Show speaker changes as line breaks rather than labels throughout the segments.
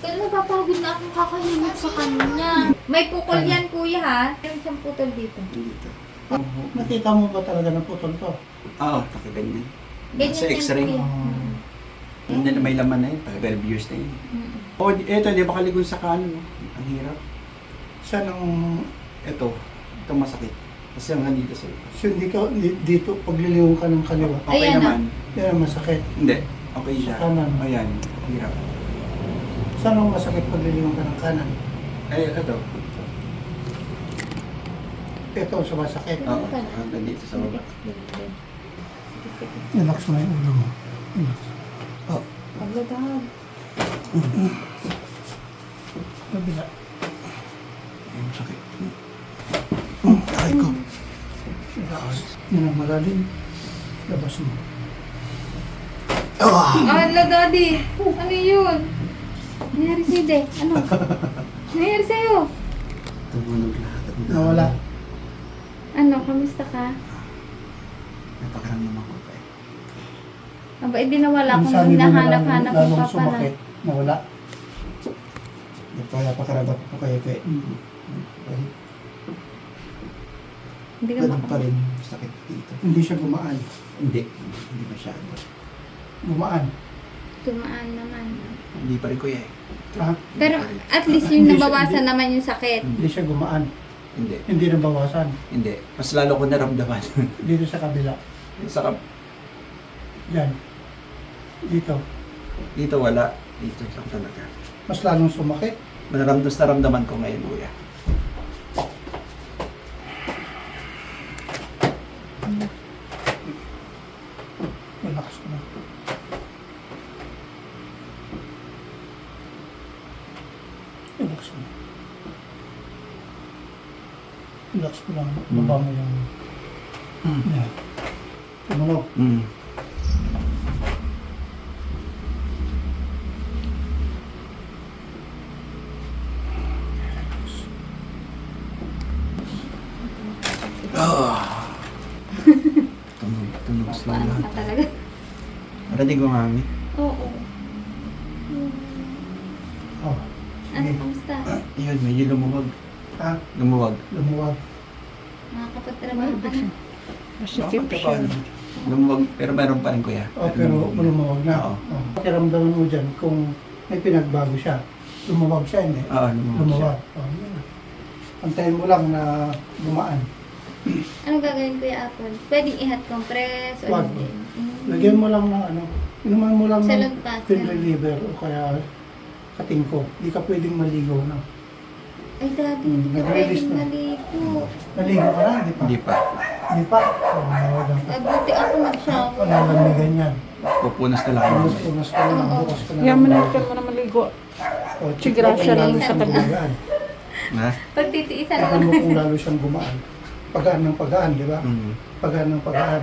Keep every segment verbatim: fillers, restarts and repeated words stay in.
Kaya napapagod na akong kakalimot sa kanya. May pukol yan, kuya, ha? Meron siyang putol dito.
Dito.
Nakita mo ba talaga na putol to?
Oo, nakaganyan.
Ganyan
Sa
yan,
x-ray.
kuya.
Ah.
Hindi na may laman na yun. Pag twelve years na yun.
Mm.
Oh, eto, di ba kaligon sa kanan? No? Ang hirap.
Saan ang...
Ito. Ito masakit. Kasi hanggang dito sa ito.
So, hindi ka, di- dito, pagliliw ka ng kaliwa.
Okay
Ayan,
naman.
Yan ang masakit.
Hindi. Okay
Sa
siya.
kanan.
Ayan. Hirap.
Saan ang masakit pagliliw ka ng kanan?
Ay, ito.
Ito ang sumasakit.
Oo. Hanggang dito sa baba.
Relax mo yung ulo mo. Relax.
Oh.
Pagladahag.
Kabila.
Ang sakit. Ay ko.
Relax. Yan ang malalim. Labas mo.
Ah!
Ah, la, daddy. Ano yun? Nangyari sa'yo, de. Ano? Nangyari sa'yo?
Tumunog lahat.
Nawala.
Ano, kamusta ka?
Napakaramdaman ko pa eh.
Aba, hindi nawala kung
Sabi mo na
hinahanap-hanap
lalong
mo pa pala.
sumakit. Nawala.
Napakarabat ko kayo pa eh.
Hindi ka
Ganun pa
maka...
rin. Sakit dito.
Hindi siya gumaan.
Hindi. Hindi masyado.
Gumaan.
Tumaan naman.
Hindi pa rin kuya eh.
Ha?
Pero at least yung
Hindi siya-
nabawasan
hindi-
naman yung sakit.
Hindi siya gumaan.
Hindi.
Hindi nabawasan.
Hindi. Mas lalo ko naramdaman.
Dito sa kabila.
sa kap
Yan. Dito.
dito wala. Dito lang talaga.
Mas lalong sumakit.
Naramdaman na naramdaman ko ngayon kuya.
Relax mo. Relax mo. Relax mo lang. Baba mo yung... Yan. Tumunog.
Mm. Ah. Tunog, tunog sa
Paano ka
lahat.
talaga?
Narating ko mami.
Oo.
Oh.
Ano,
Sige.
kamusta?
Ayun, medyo lumuwag.
Ha?
Lumuwag.
Lumuwag.
Nakakapagtrabaho ka na.
Bakit ka pa? Lumuwag, pero meron pa rin kuya.
Oh, pero lumuwag na.
Oo.
Oh. Pakiramdaman mo dyan kung may pinagbago siya. Lumuwag siya, hindi?
Oo, lumuwag siya.
Lumuwag. Oh, yun. Antayin mo lang na gumaan.
Anong gagawin ko yung apple? Pwedeng ihat compress o
Wag.
hindi? Mm.
Lagyan mo lang ng ano, inuman mo lang ng
Salad pass.
pain reliever o kaya katingko. Hindi ka pwedeng maligo na.
Ay, daddy,
Hmm,
hindi ka
nag-release
pwedeng
na.
maligo.
Naligo ka na, hindi pa?
Hindi pa.
Hindi pa? Oh, nawagan ka.
Ay, buti ako mag-shower.
Nalalamigan yan.
Pupunas na lang ako.
Punas-punas ka lang,
Oo.
bukas ka na.
Yaman
lang.
na ka mo na maligo.
O, check
Sigra
mo kung
siya lang
lalo
sa
siyang
tabi.
gumaan.
Ha?
Pagtitiisan
Tignan
ko.
mo kung lalo siyang gumaan. Pagaan ng pagaan, di ba?
Mm.
Pagaan ng pagaan.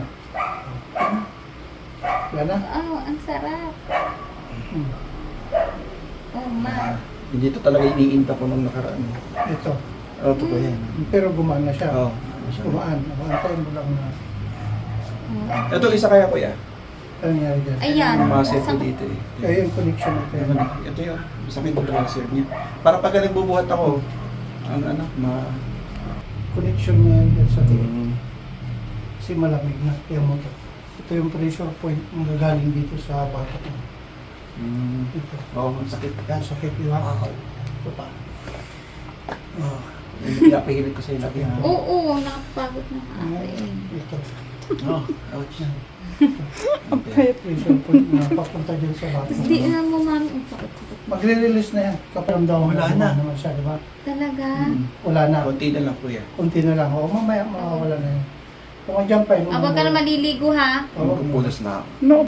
Wala na?
Oh, ang sarap.
Hmm.
Oh, ma.
Hindi ito talaga iniinta ko nung nakaraan.
Ito.
Oo, ito ko yan.
Pero gumaan na siya.
Oo.
Gumaan. Antayin mo lang na
Oh.
Ito isa kaya kuya.
ano nangyari dyan.
Ayan.
Ang mga set ko
Saan-
dito eh.
Kaya yung connection ito.
Ito, ito yun. Masakit yung tracer niya. Para pag nagbubuhat ako, ang ano, ma...
Connection mo yan dyan sa tiyan.
Mm.
Kasi malamig na. Kaya mo ito. Ito yung pressure point ang gagaling dito sa bata mo.
Mm.
Ito.
Oo, ang sakit.
Yan, sakit, di ba?
Oo.
Ito pa.
Oh. Pinapahilit ko sa'yo lagi na.
Oo, nakapagod na nga ako eh.
Ito.
Oh, ouch.
Okay.
Pressure point na papunta dyan sa bata.
Hindi na mo, mami. Ang sakit-sakit.
Magre-release na yan. Kaparamdaman mo
Wala na.
naman siya, di ba?
Talaga?
Mm.
Wala na.
Konti na lang kuya.
Kunti na lang. O, mamaya mawawala na yan. Kung andyan pa yun.
Ah, huwag ka na maliligo, ha?
Oo.
Pupunas na ako.
No,